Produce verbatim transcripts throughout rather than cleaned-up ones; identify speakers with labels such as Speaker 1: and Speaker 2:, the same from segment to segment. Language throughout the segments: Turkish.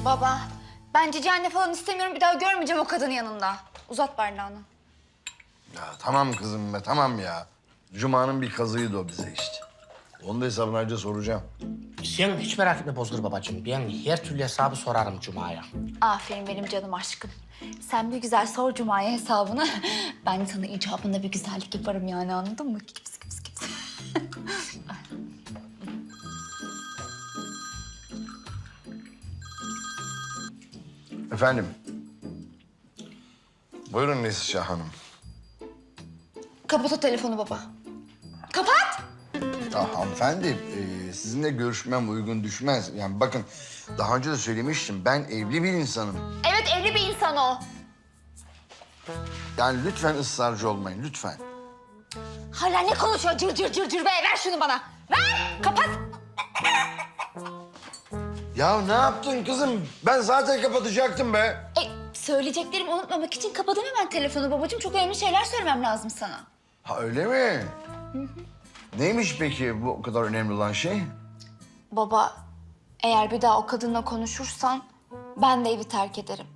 Speaker 1: Baba, ben cici anne falan istemiyorum. Bir daha görmeyeceğim o kadının yanında. Uzat bardağını.
Speaker 2: Ya tamam kızım be, tamam ya. Cuma'nın bir kazığıydı o bize işte. Onun da hesabını ayrıca soracağım.
Speaker 3: Sen hiç merak etme Bozgur babacığım. Ben her türlü hesabı sorarım Cuma'ya.
Speaker 1: Aferin benim canım aşkım. Sen bir güzel sor Cuma'ya hesabını. Ben de sana icabında bir güzellik yaparım yani, anladın mı? Kips kips kips.
Speaker 2: Efendim. Buyurun Neslihan Hanım.
Speaker 1: Kapat o telefonu baba. Kapat!
Speaker 2: Ya hanımefendi, e, sizinle görüşmem uygun düşmez. Yani bakın, daha önce de söylemiştim, ben evli bir insanım.
Speaker 1: Evet, evli bir insan o.
Speaker 2: Yani lütfen ısrarcı olmayın, lütfen.
Speaker 1: Hala ne konuşuyor cır cır cır cır be? Ver şunu bana. Ver! Kapat!
Speaker 2: Ya ne yaptın kızım? Ben zaten kapatacaktım be.
Speaker 1: E, söyleyeceklerimi unutmamak için kapadım hemen telefonu babacığım. Çok önemli şeyler söylemem lazım sana.
Speaker 2: Ha öyle mi? Hı hı. Neymiş peki bu o kadar önemli olan şey?
Speaker 1: Baba, eğer bir daha o kadınla konuşursan ben de evi terk ederim.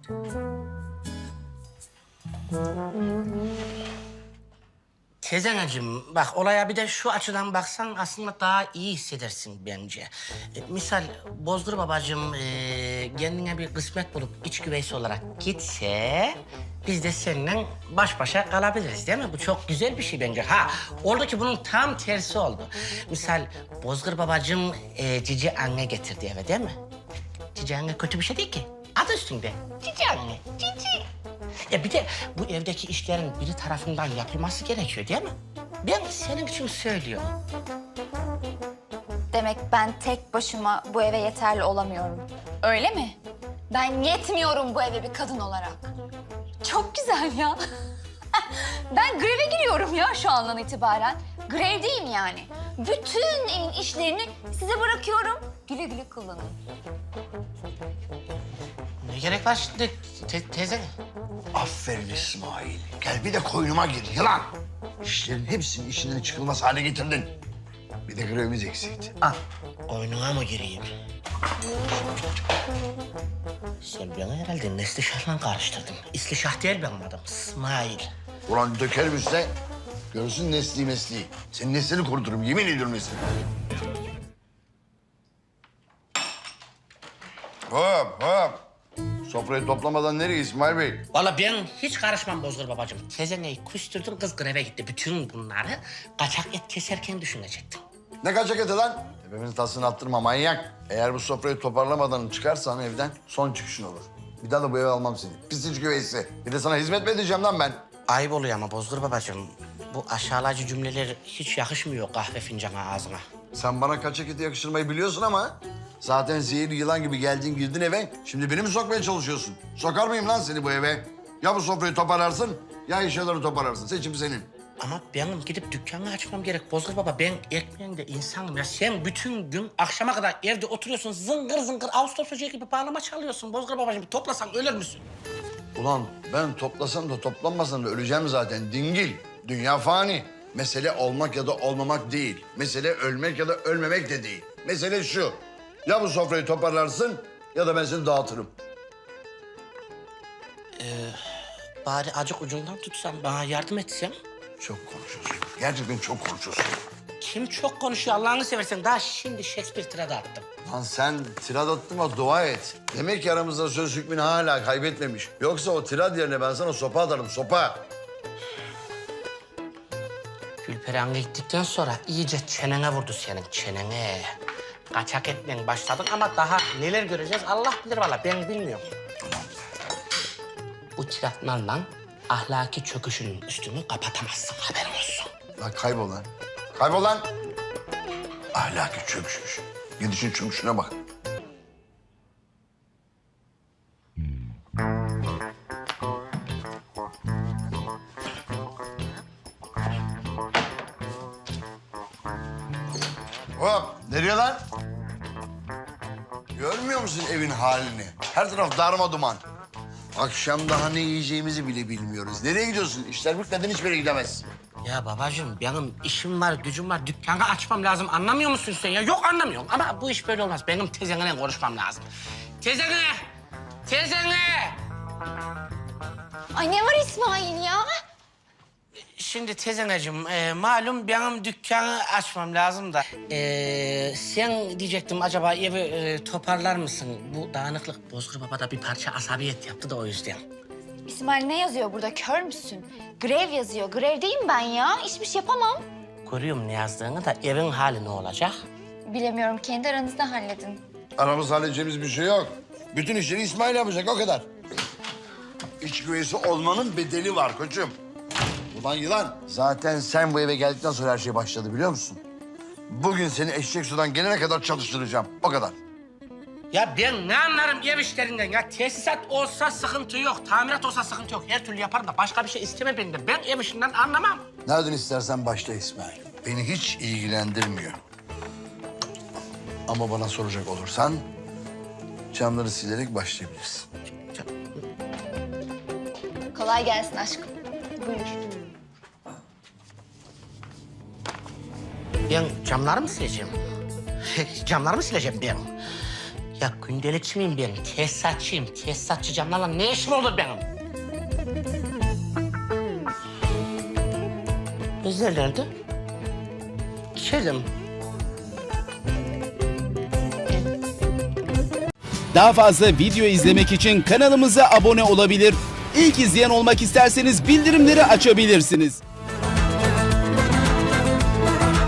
Speaker 3: Tezenacığım bak olaya bir de şu açıdan baksan aslında daha iyi hissedersin bence. E, misal Bozdur babacığım e, kendine bir kısmet bulup iç güveysi olarak gitse... ...biz de seninle baş başa kalabiliriz değil mi? Bu çok güzel bir şey bence. Ha oldu ki bunun tam tersi oldu. Misal Bozgur babacığım e, cici anne getirdi eve değil mi? Cici anne kötü bir şey değil ki. Adı üstünde. Cici anne. Cici. Ya bir de bu evdeki işlerin biri tarafından yapılması gerekiyor değil mi? Ben senin için söylüyorum.
Speaker 1: Demek ben tek başıma bu eve yeterli olamıyorum. Öyle mi? Ben yetmiyorum bu eve bir kadın olarak. Çok güzel ya. Ben greve giriyorum ya şu andan itibaren. Grevdeyim yani. Bütün evin işlerini size bırakıyorum. Güle güle kullanın.
Speaker 3: Ne gerek var şimdi te teyze?
Speaker 2: Aferin İsmail. Gel bir de koynuma gir yılan. İşlerin hepsini işinden çıkılmaz hale getirdin. Bir de grevimiz eksikti. Al.
Speaker 3: Oyununa mı gireyim? Sen beni herhalde Neslişah'la karıştırdın. İslişah değil benim adım. İsmail.
Speaker 2: Ulan dökerim üstüne. Görsün nesli mesleği. Senin neslini kuruturum. Yemin ediyorum neslini. Hop hop. Sofrayı toplamadan nereye İsmail Bey?
Speaker 3: Vallahi ben hiç karışmam Bozgur babacığım. Tezeneyi küstürdün, kız greve gitti. Bütün bunları kaçak et keserken düşünecektim.
Speaker 2: Ne kaçak eti lan? Tepemizin tasını attırma manyak. Eğer bu sofrayı toparlamadan çıkarsan evden son çıkışın olur. Bir daha da bu eve almam seni. Pis iç güveysi. Bir de sana hizmet mi edeceğim lan ben?
Speaker 3: Ayıp oluyor ama Bozgur babacığım. Bu aşağılayıcı cümleler hiç yakışmıyor kahve fincanı ağzına.
Speaker 2: Sen bana kaçak eti yakıştırmayı biliyorsun ama... ...zaten zehirli yılan gibi geldin girdin eve. Şimdi beni mi sokmaya çalışıyorsun? Sokar mıyım lan seni bu eve? Ya bu sofrayı toparlarsın ya eşyaları toparlarsın. Seçim senin.
Speaker 3: Ama benim gidip dükkanı açmam gerek Bozgur baba. Ben ekmeğinde insanım ya. Sen bütün gün akşama kadar evde oturuyorsun. Zıngır zıngır Ağustos böceği gibi bağlama çalıyorsun. Bozgur babacığım toplasan ölür müsün?
Speaker 2: Ulan ben toplasam da toplanmasam da öleceğim zaten dingil. Dünya fani. Mesele olmak ya da olmamak değil. Mesele ölmek ya da ölmemek de değil. Mesele şu. Ya bu sofrayı toparlarsın ya da ben seni dağıtırım.
Speaker 3: Bari acık ucundan tutsam, bana yardım etsem.
Speaker 2: Çok konuşuyorsun. Gerçekten çok konuşuyorsun.
Speaker 3: Kim çok konuşuyor Allah'ını seversen. Daha şimdi Shakespeare tirada attım.
Speaker 2: Lan sen tirad attığıma dua et. Demek ki aramızda söz hükmünü hala kaybetmemiş. Yoksa o tirad yerine ben sana sopa atarım, sopa.
Speaker 3: Gülperi gittikten sonra iyice çenene vurdu senin, çenene. Kaçak etmeye başladın ama daha neler göreceğiz Allah bilir vallahi, ben bilmiyorum. Bu tiratlarla ahlaki çöküşünün üstünü kapatamazsın, haberin olsun.
Speaker 2: Lan kaybol lan. Kaybol lan. Ahlaki çöküşmüş. Gidişin çöküşüne bak. Hop, nereye lan? Görmüyor musun evin halini? Her taraf darma duman. Akşam daha ne yiyeceğimizi bile bilmiyoruz. Nereye gidiyorsun? İşler bitmeden hiçbir yere gidemezsin.
Speaker 3: Ya babacığım benim işim var, gücüm var. Dükkanı açmam lazım. Anlamıyor musun sen ya? Yok anlamıyorum ama bu iş böyle olmaz. Benim tezenle konuşmam lazım. Tezene! Teyzene!
Speaker 1: Ay ne var İsmail ya?
Speaker 3: Şimdi tezeneciğim, e, malum benim dükkanı açmam lazım da. E, sen diyecektim acaba evi e, toparlar mısın? Bu dağınıklık Bozkır Baba'da bir parça asabiyet yaptı da o yüzden.
Speaker 1: İsmail ne yazıyor burada, kör müsün? Grev yazıyor, grevdeyim ben ya. Hiçbir şey yapamam.
Speaker 3: Görüyorum ne yazdığını da evin hali ne olacak?
Speaker 1: Bilemiyorum, kendi aranızda halledin.
Speaker 2: Aramızda halledeceğimiz bir şey yok. Bütün işleri İsmail yapacak, o kadar. İç güveysi olmanın bedeli var koçum. Ulan yılan. Zaten sen bu eve geldikten sonra her şey başladı biliyor musun? Bugün seni eşek sudan gelene kadar çalıştıracağım. O kadar.
Speaker 3: Ya ben ne anlarım ev işlerinden ya? Tesisat olsa sıkıntı yok, tamirat olsa sıkıntı yok. Her türlü yaparım da başka bir şey isteme benden. Ben ev işinden anlamam.
Speaker 2: Nereden istersen başla İsmail. Beni hiç ilgilendirmiyor. Ama bana soracak olursan camları silerek başlayabilirsin.
Speaker 1: Kolay gelsin aşkım. Buyur.
Speaker 3: Ben camları mı sileceğim? Camları mı sileceğim ben? Ya gündelikçi miyim ben? Tesisatçıyım. Tesisatçı camlarla ne işim olur benim? Bizler nerede? İçeride mi?
Speaker 4: Daha fazla video izlemek için kanalımıza abone olabilir. İlk izleyen olmak isterseniz bildirimleri açabilirsiniz.